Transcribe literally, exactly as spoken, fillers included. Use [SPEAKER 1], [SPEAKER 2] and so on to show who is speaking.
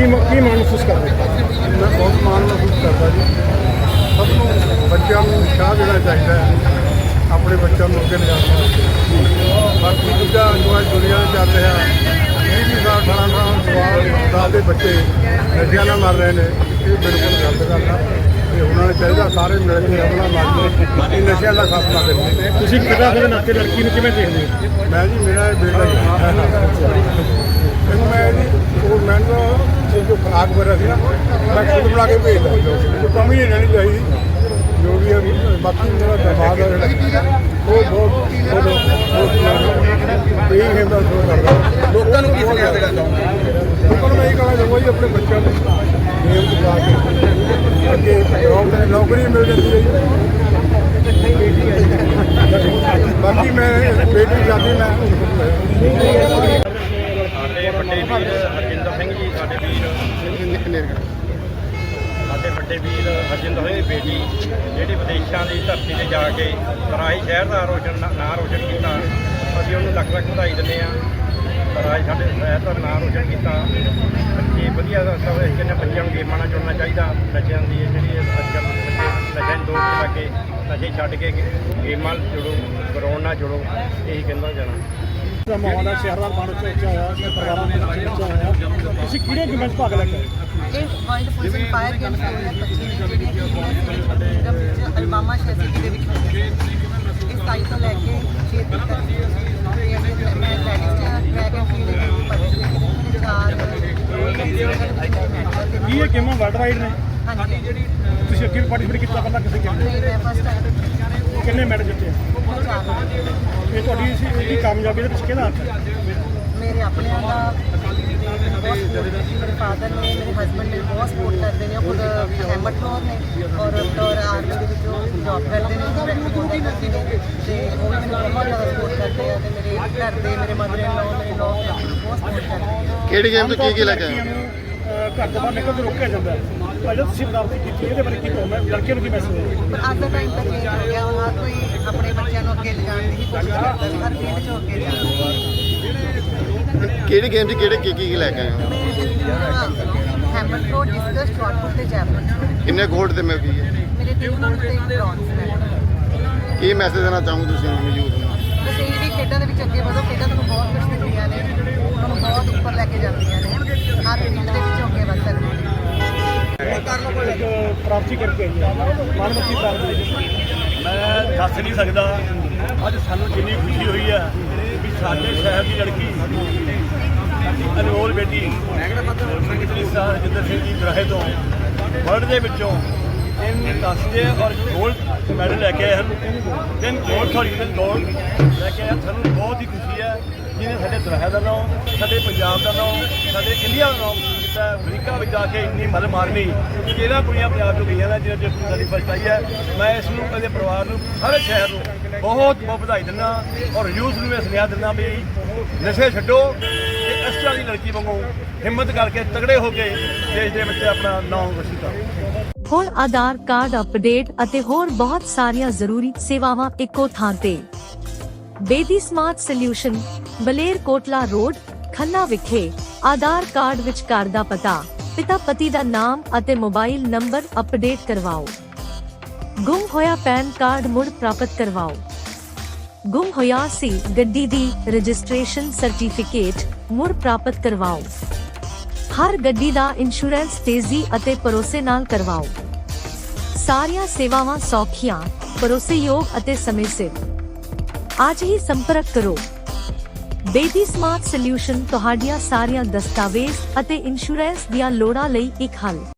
[SPEAKER 1] ਕੀ ਮ- ਕੀ ਮਾਣ ਮਹਿਸੂਸ ਕਰਦੇ?
[SPEAKER 2] मैं बहुत मान महसूस करता जी। सबनों बच्चों को उत्साह देना चाहिए अपने बच्चों को अगे लिजाने वास्ते। बाकी दूजा जो है दुनिया में चल रहा बीस बीस साल अठारह साल सवाल साल के बच्चे नशे नाल मर रहे हैं, ये बिल्कुल गलत गल है। ਤੇ ਉਹਨਾਂ ਨੂੰ ਚਾਹੀਦਾ ਸਾਰੇ ਮਿਲ ਕੇ ਰਲਣਾ ਮਾਰੀਏ, ਇਹ ਨਸ਼ਿਆਂ ਦਾ ਖਾਤਮਾ ਕਰੀਏ।
[SPEAKER 1] ਤੁਸੀਂ ਪਿਤਾ ਦੇ ਨਾਤੇ ਲੜਕੀ ਨੂੰ ਕਿਵੇਂ ਦੇਖਦੇ ਹੋ?
[SPEAKER 2] ਮੈਂ ਜੀ ਮੇਰਾ ਇਹ ਬੇਟਾ ਜੀ ਇਹਨੂੰ ਮੈਂ ਜੀ ਉਹ ਮੈਨੂੰ ਇਹ ਜੋ ਖੁਰਾਕ ਵਗੈਰਾ ਸੀ ਨਾ ਮੈਂ ਖੁਦ ਬਣਾ ਕੇ ਭੇਜਦਾ, ਕੋਈ ਕਮੀ ਨਹੀਂ ਰਹਿਣੀ ਚਾਹੀਦੀ ਜੋ ਵੀ ਹੈ। ਬਾਕੀ ਮੇਰਾ ਦਮਾਦ ਹੈ ਜਿਹੜਾ ਉਹ ਬਹੁਤ ਬਹੁਤ ਬਹੁਤ ਇਹ ਹੈ ਦਾ ਸੋ ਕਰਦਾ।
[SPEAKER 3] ਲੋਕਾਂ ਨੂੰ ਕੀ ਸੁਨੇਹਾ ਦੇਣਾ ਚਾਹੁੰਦੇ?
[SPEAKER 2] ਲੋਕਾਂ ਨੂੰ ਮੈਂ ਇਹ ਕਹਿਣਾ ਚਾਹੁੰਦਾ ਜੀ ਆਪਣੇ ਬੱਚਿਆਂ ਨੂੰ ਗੇਮ ਚ ਪਾ ਕੇ ਅੱਗੇ ਜੌਬ ਤੇ ਨੌਕਰੀ ਮਿਲ ਜਾਂਦੀ ਹੈ ਜੀ। ਬਾਕੀ ਮੈਂ ਬੇਟੀ ਜਾਂਦੀ ਮੈਂ
[SPEAKER 4] ਸਾਡੇ ਵੱਡੇ ਵੀਰ ਹਰਜਿੰਦਰ ਸਿੰਘ ਜੀ, ਸਾਡੇ ਵੀਰ ਸਾਡੇ ਵੱਡੇ ਵੀਰ ਹਰਜਿੰਦਰ ਸਿੰਘ ਦੀ ਬੇਟੀ ਜਿਹੜੀ ਵਿਦੇਸ਼ਾਂ ਦੀ ਧਰਤੀ 'ਤੇ ਜਾ ਕੇ ਰਾਜ ਸ਼ਹਿਰ ਦਾ ਰੋਸ਼ਨ ਨਾਂ ਰੋਸ਼ਨ ਕੀਤਾ, ਅਸੀਂ ਉਹਨੂੰ ਲੱਖ ਲੱਖ ਵਧਾਈ ਦਿੰਦੇ ਹਾਂ। ਰਾਜ ਸਾਡੇ ਸ਼ਹਿਰ ਦਾ ਨਾਂ ਰੋਸ਼ਨ ਕੀਤਾ। ਬੱਚੇ ਵਧੀਆ ਸਭ ਇਸ ਕਹਿੰਦੇ ਬੱਚਿਆਂ ਨੂੰ ਗੇਮਾਂ ਨਾਲ ਜੁੜਨਾ ਚਾਹੀਦਾ। ਨਸ਼ਿਆਂ ਦੀ ਜਿਹੜੀ ਅੱਜ ਕੱਲ੍ਹ ਬੱਚੇ ਨਸ਼ਿਆਂ ਦੀ ਦੌੜ 'ਚ ਲੱਗ ਕੇ ਨਸ਼ੇ ਛੱਡ ਕੇ ਗੇਮਾਂ ਨਾਲ ਜੁੜੋ, ਗਰਾਊਂਡ ਨਾਲ ਜੁੜੋ, ਇਹੀ ਕਹਿੰਦਾ ਜਾਣਾ।
[SPEAKER 1] ਦਾ ਮਾਹੌਲ ਹੈ, ਸ਼ਹਿਰ ਦਾ ਮਾਹੌਲ ਉੱਚਾ ਹੋਇਆ, ਪਰਿਵਾਰਾਂ ਦਾ ਮਾਹੌਲ ਉੱਚਾ ਹੋਇਆ। ਤੁਸੀਂ ਕਿਹੜੇ ਗੇਮਾਂ 'ਚ ਭਾਗ ਲੈ ਕੇ ਆਏ?
[SPEAKER 5] ਇਹ ਵਰਲਡ ਪੁਲਿਸ ਫਾਇਰ ਗੇਮਸ ਦੋ ਹਜ਼ਾਰ ਪੱਚੀ ਵਿੱਚ ਜਿਹੜੀਆਂ ਕਿ ਨਿਗਮ ਵਿੱਚ ਅਲਮਾਮਾ ਸ਼ਹਿਰ ਸਿਟੀ ਦੇ ਵਿੱਚ ਹੋਈਆਂ ਸੀ। ਇਸ ਤਾਰੀਖ ਤੋਂ ਲੈ ਕੇ ਛੇ ਤਰੀਕ ਤੱਕ ਮੈਂ ਲੈਡੀਜ਼ ਟਰੈਕ ਐਂਡ ਫੀਲਡ ਵਿੱਚ ਪਾਰਟਿਸਿਪੇਟ ਕੀਤੀ। ਚਾਰ
[SPEAKER 1] ਕੀ ਇਹ ਗੇਮਾਂ ਵਰਲਡ ਵਾਈਡ ਨੇ?
[SPEAKER 5] ਹਾਂਜੀ
[SPEAKER 1] ਤੁਸੀਂ ਅੱਗੇ ਵੀ ਪਾਰਟਿਸਿਪੇਟ ਕੀਤਾ ਪਹਿਲਾਂ ਕਿਸੇ ਗੇਮ
[SPEAKER 5] ਨਹੀਂ, ਮੈਂ ਫਸਟ ਟਾਈਮ
[SPEAKER 1] ਕਿੰਨੇ ਮੈਡਲ ਜਿੱਤੇ ਆ?
[SPEAKER 5] ਚਾਰ
[SPEAKER 1] ਇਹ ਤੁਹਾਡੀ ਇਸ ਇਹਦੀ ਕਾਮਯਾਬੀ ਦੇ ਪਿੱਛੇ ਕਿਹਦਾ ਹੱਥ ਹੈ?
[SPEAKER 5] ਮੇਰੇ ਆਪਣਿਆਂ ਦਾ ਬਹੁਤ ਸਪੋਰਟ ਹੈ। ਮੇਰੇ ਫਾਦਰ ਨੇ, ਮੇਰੇ ਹਸਬੈਂਡ ਨੇ ਬਹੁਤ ਸਪੋਰਟ ਕਰਦੇ ਨੇ। ਉਹ ਖੁਦ ਹੈਮਟ ਫਲੋਰ ਨੇ ਔਰ ਔਰ ਆਰਮੀ ਦੇ ਵਿੱਚ ਉਹ ਜੌਬ ਕਰਦੇ ਨੇ, ਡਾਇਰੈਕਟ ਹੋਂਦਾ ਕਰਦੀ ਨੇ ਅਤੇ ਉਹ ਵੀ ਮੈਨੂੰ ਬਹੁਤ ਜ਼ਿਆਦਾ ਸਪੋਰਟ ਕਰਦੇ ਆ। ਅਤੇ ਮੇਰੇ ਘਰ ਦੇ ਮੇਰੇ ਮਦਰ ਇਨ ਲੋ ਮੇਰੇ ਲੋ ਬਹੁਤ ਸਪੋਰਟ ਕਰਦੇ ਆ।
[SPEAKER 3] ਕਿਹੜੀ ਗੇਮ ਤੋਂ ਕੀ ਕੀ ਲੈ ਕੇ ਆਏ?
[SPEAKER 1] ਲੜਕੀਆਂ ਨੂੰ, ਅਹ, ਘਰ ਤੋਂ ਬਾਹਰ ਨਿਕਲ ਕੇ ਰੋਕਿਆ ਜਾਂਦਾ ਹੈ। ਪਰ ਜਦੋਂ ਤੁਸੀਂ ਬਰਾਬਰੀ ਕੀਤੀ ਇਹਦੇ ਬਾਰੇ ਕੀ ਕਹੋਗੇ? ਲੜਕੀਆਂ ਨੂੰ ਕੀ ਮੈਸੇਜ ਹੈ?
[SPEAKER 5] ਪਰ ਅੱਜ ਦਾ ਟਾਈਮ ਤਾਂ ਚੇਂਜ ਹੋ ਗਿਆ। ਹੁਣ ਹਰ ਕੋਈ ਆਪਣੇ ਬੱਚਿਆਂ ਨੂੰ ਅੱਗੇ ਲਿਜਾਣ ਦੀ ਹੀ ਕੋਸ਼ਿਸ਼ ਕਰਦਾ ਵੀ ਹਰ ਫੀਲਡ 'ਚ ਅੱਗੇ ਜਾਣ।
[SPEAKER 3] ਕਿਹੜੀ ਗੇਮ 'ਚ ਕਿਹੜੇ ਕੀ ਕੀ ਲੈ ਕੇ ਆਏ ਹੋ?
[SPEAKER 5] Hammer throw, discus, shot put ਤੇ ਜੈਵਲਿਨ।
[SPEAKER 3] ਕਿੰਨੇ ਗੋਲਡ ਤੇ ਮਿਲ ਗਈ ਹੈ?
[SPEAKER 5] ਮੇਰੇ ਤਿੰਨ ਗੋਲਡ ਤੇ ਇੱਕ ਬ੍ਰੌਂਜ਼ ਮੈਡਲ।
[SPEAKER 3] ਕੀ ਮੈਸੇਜ ਦੇਣਾ ਚਾਹੂੰ ਤੁਸੀਂ ਯੂਥ ਨੂੰ?
[SPEAKER 5] ਬਸ ਇਹ ਵੀ ਖੇਡਾਂ ਦੇ ਵਿੱਚ ਅੱਗੇ ਵਧੋ। ਖੇਡਾਂ ਤੁਹਾਨੂੰ ਬਹੁਤ ਕੁਝ ਦਿੰਦੀਆਂ ਨੇ, ਤੁਹਾਨੂੰ ਬਹੁਤ ਉੱਪਰ ਲੈ ਕੇ ਜਾਂਦੀਆਂ ਨੇ। ਹਰ ਫੀਲਡ ਦੇ ਵਿੱਚ ਅੱਗੇ ਵਧ ਸਕਦੇ ਨੇ।
[SPEAKER 1] ਇੱਕ ਪ੍ਰਾਪਤੀ ਕਰਕੇ ਆਈ ਹੈ ਮਾਨਵਤੀ ਪ੍ਰਾਪਤੀ।
[SPEAKER 6] ਮੈਂ ਦੱਸ ਨਹੀਂ ਸਕਦਾ ਅੱਜ ਸਾਨੂੰ ਕਿੰਨੀ ਖੁਸ਼ੀ ਹੋਈ ਹੈ ਵੀ ਸਾਡੇ ਸ਼ਹਿਰ ਦੀ ਲੜਕੀ ਅਨਮੋਲ ਬੇਟੀ ਤਰੀਸਾ ਜਿੰਦਰ ਸਿੰਘ ਜੀ ਦਰਾਹੇ ਤੋਂ ਵਰਲਡ ਦੇ ਵਿੱਚੋਂ ਤਿੰਨ ਕਾਂਸੇ ਔਰ ਗੋਲਡ ਮੈਡਲ ਲੈ ਕੇ ਆਏ ਹਨ। ਤਿੰਨ ਗੋਲਡ ਸੌਰੀ ਤਿੰਨ ਗੋਲਡ ਲੈ ਕੇ ਆਏ। ਸਾਨੂੰ ਬਹੁਤ ਹੀ ਖੁਸ਼ੀ ਹੈ ਜਿਹਨੇ ਸਾਡੇ ਦਰਾਹੇ ਦਾ ਨਾਮ, ਸਾਡੇ ਪੰਜਾਬ ਦਾ ਨਾਮ, ਸਾਡੇ ਇੰਡੀਆ ਦਾ ਨਾਮ ਕੀਤਾ। ਅਮਰੀਕਾ ਵਿੱਚ ਜਾ ਕੇ ਇੰਨੀ ਮਦਦ ਮਾਰਨੀ ਕਿਹੜਾ ਕੁੜੀਆਂ ਪੰਜਾਬ ਤੋਂ ਗਈਆਂ ਨੇ ਜਿਹਨਾਂ 'ਚ ਸਾਡੀ ਫਸਟ ਆਈ ਹੈ। ਮੈਂ ਇਸ ਨੂੰ ਕਦੇ ਪਰਿਵਾਰ ਨੂੰ ਸਾਰੇ ਸ਼ਹਿਰ ਨੂੰ ਬਹੁਤ ਬਹੁਤ ਵਧਾਈ ਦਿੰਦਾ ਔਰ ਯੂਥ ਨੂੰ ਇਹ ਸੁਨੇਹਾ ਦਿੰਦਾ ਵੀ ਨਸ਼ੇ ਛੱਡੋ ਤੇ ਇਸ ਤਰ੍ਹਾਂ ਦੀ ਲੜਕੀ ਵਾਂਗੂ ਹਿੰਮਤ ਕਰਕੇ ਤਗੜੇ ਹੋ ਕੇ ਦੇਸ਼ ਦੇ ਵਿੱਚ ਆਪਣਾ ਨਾਮ ਰੋਸ਼ਨ ਕਰੋ।
[SPEAKER 7] ਹੁਣ ਆਧਾਰ ਕਾਰਡ ਅਪਡੇਟ ਅਤੇ ਹੋਰ ਬਹੁਤ ਸਾਰੀਆਂ ਜ਼ਰੂਰੀ ਸੇਵਾਵਾਂ ਇੱਕੋ ਥਾਂ ਤੇ। Bedi smart solution, Baler Kotla road, Khanna ਵਿਖੇ। ਆਧਾਰ ਕਾਰਡ ਵਿੱਚ ਘਰ ਦਾ ਪਤਾ, ਪਿਤਾ ਪਤੀ ਦਾ ਨਾਮ ਅਤੇ ਮੋਬਾਈਲ ਨੰਬਰ ਅਪਡੇਟ ਕਰਵਾਓ। ਗੁੰਮ ਹੋਇਆ ਪੈਨ ਕਾਰਡ ਮੁੜ ਪ੍ਰਾਪਤ ਕਰਵਾਓ। ਗੁੰਮ ਹੋਇਆ ਸੀ ਗੱਡੀ ਦੀ ਰਜਿਸਟ੍ਰੇਸ਼ਨ ਸਰਟੀਫਿਕੇਟ ਮੁੜ ਪ੍ਰਾਪਤ ਕਰਵਾਓ। ਹਰ ਗੱਡੀ ਦਾ ਇੰਸ਼ੋਰੈਂਸ ਤੇਜ਼ੀ ਅਤੇ ਭਰੋਸੇ ਨਾਲ ਕਰਵਾਓ। ਸਾਰੀਆਂ ਸੇਵਾਵਾਂ ਸੌਖੀਆਂ, ਭਰੋਸੇਯੋਗ ਅਤੇ ਸਮੇਂ ਸਿਰ। ਅੱਜ ਹੀ ਸੰਪਰਕ ਕਰੋ। ਬੇਦੀ ਸਮਾਰਟ ਸੋਲਿਊਸ਼ਨ ਤੁਹਾਡੀਆਂ ਸਾਰੀਆਂ ਦਸਤਾਵੇਜ਼ ਅਤੇ ਇੰਸ਼ੋਰੈਂਸ ਦੀਆਂ ਲੋੜਾਂ ਲਈ ਇੱਕ ਹੱਲ।